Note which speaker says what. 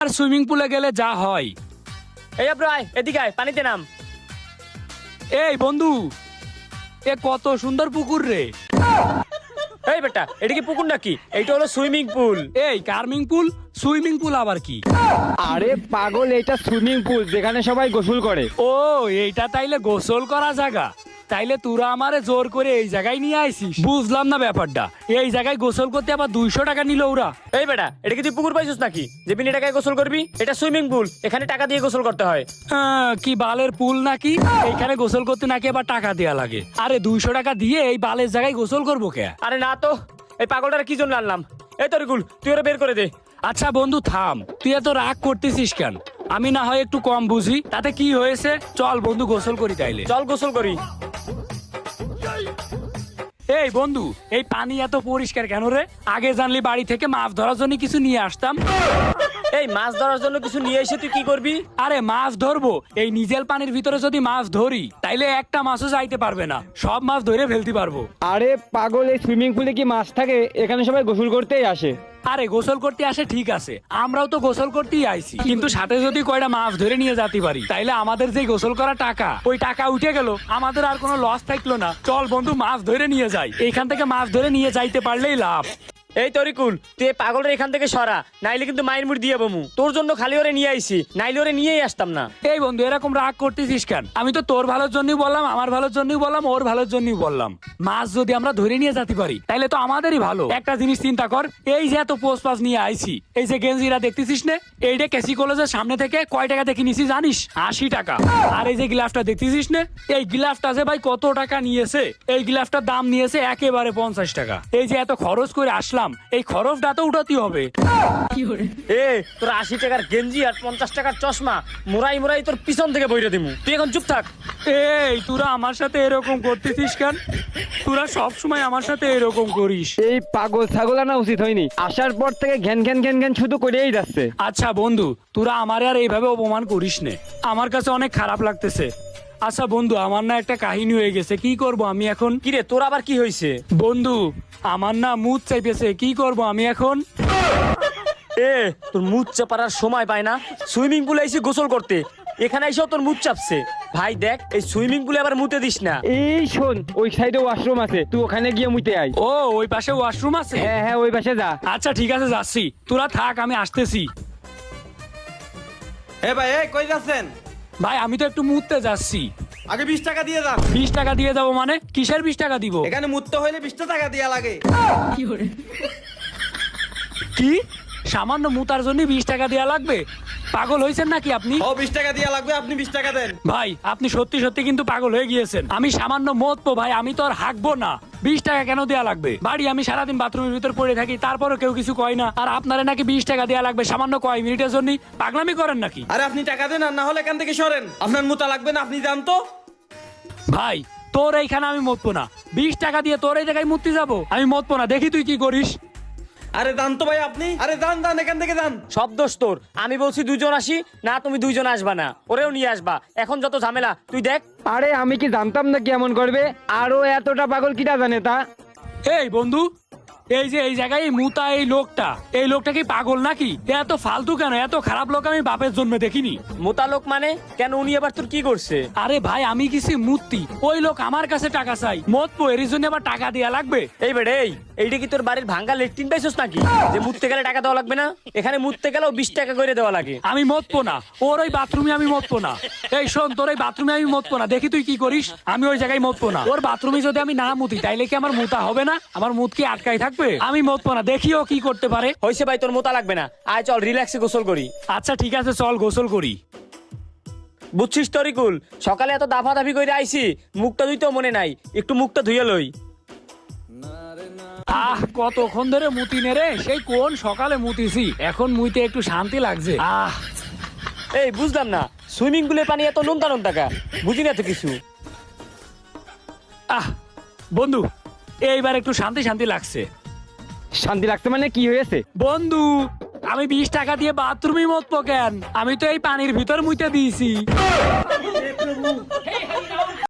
Speaker 1: আর swimming পুলে গেলে যা হয়।
Speaker 2: এই ব্রো আয় এদিকে আয়, পানিতে নাম।
Speaker 1: এই বন্ধু, এ কত সুন্দর পুকুর রে।
Speaker 2: এই বেটা, এটা কি পুকুর নাকি? এইটা হলো সুইমিং পুল।
Speaker 1: এই কার্মিং পুল, সুইমিং পুল আবার কি?
Speaker 3: আরে পাগল, এটা সুইমিং পুল যেখানে সবাই গোসল করে।
Speaker 1: ও এইটা তাইলে গোসল করা জায়গা? তাইলে তোরা আমারে জোর করে এই জায়গায় নিয়ে আইছিস? বুঝলাম না ব্যাপারটা। এই জায়গায় গোসল করতে আবার 200 টাকা নিল ওরা।
Speaker 2: এই বেটা, এটা কি তুই পুকুর পাইছিস নাকি যে বিনা টাকায় গোসল করবি? এটা সুইমিং পুল, এখানে টাকা দিয়ে গোসল করতে হয়।
Speaker 1: কি বালের পুল নাকি? এইখানে গোসল করতে নাকি আবার টাকা দেয়া লাগে? আরে 200 টাকা দিয়ে এই বালের জায়গায় গোসল করবো কে?
Speaker 2: আরে না তো, এই পাগলটার কি জন্য আনলাম? এই তরিকুল, তুই ওরা বের করে দে।
Speaker 1: আচ্ছা বন্ধু থাম, তুই এত রাগ করতেছিস কেন? আমি না হয় একটু কম বুঝি, তাতে কি হয়েছে? চল বন্ধু গোসল করি তাইলে।
Speaker 2: চল গোসল করি।
Speaker 1: এই বন্ধু, এই পানি এত পরিষ্কার কেন রে? আগে জানলি বাড়ি থেকে মাছ ধরার জন্য কিছু নিয়ে আসতাম।
Speaker 2: এই মাছ ধরার জন্য কিছু নিয়ে এসে তুই কি করবি?
Speaker 1: আরে মাছ ধরবো, এই নিজের পানির ভিতরে যদি মাছ ধরি তাইলে একটা মাছও যাইতে পারবে না, সব মাছ ধরে ফেলতে পারবো।
Speaker 3: আরে পাগল, এই সুইমিং পুলে কি মাছ থাকে? এখানে সবাই গোসল করতেই আসে।
Speaker 1: আরে গোসল করতে আসে ঠিক আছে, আমরাও তো গোসল করতেই আইছি, কিন্তু সাথে যদি কয়টা মাছ ধরে নিয়ে যেতে পারি তাইলে আমাদের যে গোসল করা টাকা, ওই টাকা উঠে গেল, আমাদের আর কোনো লস থাকলো না। চল বন্ধু মাছ ধরে নিয়ে যাই, এইখান থেকে মাছ ধরে নিয়ে যাইতে পারলেই লাভ।
Speaker 2: এই তরিকুল, তুই এই পাগলের এখান থেকে সরা, নাইলে কিন্তু মাইর মুড় দিয়ে বমু। তোর জন্য খালি ওরে নিয়ে আইছি, নাইলে ওরে নিয়েই আসতাম না।
Speaker 1: এই বন্ধু এরকম রাগ করতেছিস কেন? আমি তো তোর ভালোর জন্যই বললাম, আমার ভালোর জন্যই বললাম, ওর ভালোর জন্যই বললাম। মাছ যদি আমরা ধরে নিয়ে যেতে পারি তাইলে তো আমাদেরই ভালো। একটা জিনিস চিন্তা কর, এই যে এত পোস্ট পাস নিয়ে আইছি, এই যে গেঞ্জিরা দেখতেছিস না, এইটা কেসি কলেজের সামনে থেকে কয় টাকা দেখে নিছি জানিস? 80 টাকা। আর এই যে গ্লাভটা দেখতেছিস না, এই গ্লাভটা যে ভাই কত টাকা নিয়েছে? এই গ্লাভটার দাম নিয়েছে একেবারে 50 টাকা। এই যে এত খরচ করে আসলাম, এই খরচটা তো উঠাতে হবে।
Speaker 2: এ তোর 80 টাকার গেঞ্জি আর 50 টাকার চশমা মোরাই মোরাই তোর পিছন থেকে বইরে দিমু। তুই এখন চুপ থাক।
Speaker 1: এই তোরা আমার সাথে এরকম করতেছিস কেন? তোরা সব সময় আমার সাথে এরকম করিস।
Speaker 3: এই পাগল ছাগল আনা উচিত হয়নি। আসার পর থেকে ঘ্যান ঘ্যান ঘ্যান ঘ্যান শুধু করেই যাচ্ছে।
Speaker 1: আচ্ছা বন্ধু, তোরা আমারে আর এইভাবে অপমান করিস নে, আমার কাছে অনেক খারাপ লাগতেছে। আচ্ছা বন্ধু, আমার না একটা কাহিনী হয়ে গেছে, কি করব আমি এখন?
Speaker 2: কিরে তোর আবার কি হয়েছে?
Speaker 1: বন্ধু আমার না মুড চাইতেছে, কি করব আমি এখন?
Speaker 2: এ তোর মুখ চাপার সময় পায় না, সুইমিং পুলে এসে গোসল করতে, এখানে এসেও তোর মুখ চাপছে। ভাই দেখ, এই সুইমিং পুলে আবার মুতে দিস না।
Speaker 3: এই শোন, ওই সাইডে ওয়াশরুম আছে, তুই ওখানে গিয়ে মুতে আয়।
Speaker 1: ও ওই পাশে ওয়াশরুম আছে?
Speaker 3: হ্যাঁ হ্যাঁ, ওই পাশে যা।
Speaker 1: আচ্ছা ঠিক আছে যাচ্ছি, তোরা থাক, আমি আসতেছি।
Speaker 4: এ ভাই, এই কই যাচ্ছেন?
Speaker 1: ভাই আমি তো একটু মুততে যাচ্ছি।
Speaker 4: আগে 20 টাকা দিয়ে যান।
Speaker 1: 20 টাকা দিয়ে যাবো মানে? কিসের 20 টাকা দিব?
Speaker 4: এখানে মুততে হইলে 20 টাকা দেয়া লাগে।
Speaker 1: কি সামান্য মুতার জন্য 20 টাকা দেওয়া লাগবে? পাগল হয়েছেন নাকি আপনি?
Speaker 4: ও 20 টাকা দেয়া লাগবে, আপনি 20 টাকা দেন।
Speaker 1: ভাই আপনি সত্যি সত্যি কিন্তু পাগল হয়ে গিয়েছেন। আমি সামান্য মতবো ভাই, আমি তো আর হাঁকবো না। 20 টাকা কেন দেয়া লাগবে? বাড়ি আমি সারাদিন বাথরুমের ভিতর পড়ে থাকি, তারপরও কেউ কিছু কয় না, আর আপনারা নাকি 20 টাকা দেয়া লাগবে সামান্য কয় মিনিটের জন্য? পাগলামি করেন নাকি?
Speaker 4: আরে আপনি টাকা দেন, আর না হলে এখান থেকে সরেন। আপনার মুতা লাগবে না, আপনি যান তো।
Speaker 1: ভাই তোর এইখানে আমি মতবো না, 20 টাকা দিয়ে তোর এই জায়গায় মুততে যাবো? আমি মতবো না, দেখি তুই কি করিস।
Speaker 4: আরে যান তো ভাই আপনি, আরে যান যান, এখান থেকে যান।
Speaker 2: সব দোষ তোর। আমি বলছি দুজন আসি না, তুমি দুইজন আসবা না, ওরেও নিয়ে আসবা। এখন যত ঝামেলা তুই দেখ।
Speaker 3: আরে আমি কি জানতাম না কি এমন করবে? আরো এতটা পাগল কিটা জানে তা?
Speaker 1: এই বন্ধু, এই যে এই জায়গায় এই মুতা এই লোকটা কি পাগল নাকি? এত ফালতু কেন? এত খারাপ লোক আমি বাপের জন্মে দেখিনি।
Speaker 2: মোতালোক মানে কেন? উনি আবার তোর কি করছে?
Speaker 1: আরে ভাই আমি কিছু মূর্তি, ওই লোক আমার কাছে টাকা চাই, মতবো এর জন্য আবার টাকা দেয়া লাগবে?
Speaker 2: এই বেড়ে, এইটা কি তোর বাড়ির ভাঙ্গা লেট্রিন পাইছস নাকি যে মুততে গেলে টাকা দেওয়া লাগবে না? এখানে মুততে গেলেও 20 টাকা করে দেওয়া লাগে।
Speaker 1: আমি মতবো না, ওর ওই বাথরুমে আমি মতবো না। এই শোন, তোর ওই বাথরুমে আমি মতবো না, দেখি তুই কি করিস। আমি ওই জায়গায় মতবো না। ওর বাথরুমে যদি আমি না মুতি তাইলে কি আমার মুতা হবে না? আমার মুত কি আটকাই থাকবে? আমি মতবো না, দেখি ও কি করতে পারে।
Speaker 2: হইছে ভাই, তোর মোতা লাগবে না, আয় চল রিল্যাক্সে গোসল করি।
Speaker 1: আচ্ছা ঠিক আছে, চল গোসল করি।
Speaker 2: বুঝছিস তরিকুল, সকালে এত দাফাদাফি করে আইছি, মুখটা ধুইতেও মনে নাই, একটু মুখটা ধুয়ে লই।
Speaker 1: কতক্ষণ ধরে মুতি নে রে, সেই কোন সকালে মুতিছি, এখন মুইতে একটু শান্তি লাগছে।
Speaker 2: এই বুঝলাম না, সুইমিং পুলের পানি এত নোনতা নোনতা কা? বুঝি না তো কিছু।
Speaker 1: বন্ধু এইবার একটু শান্তি শান্তি লাগছে।
Speaker 3: শান্তি লাগছে মানে কি হয়েছে?
Speaker 1: বন্ধু আমি 20 টাকা দিয়ে বাথরুমে মতবো কেন? আমি তো এই পানির ভিতর মুইতে দিয়েছি।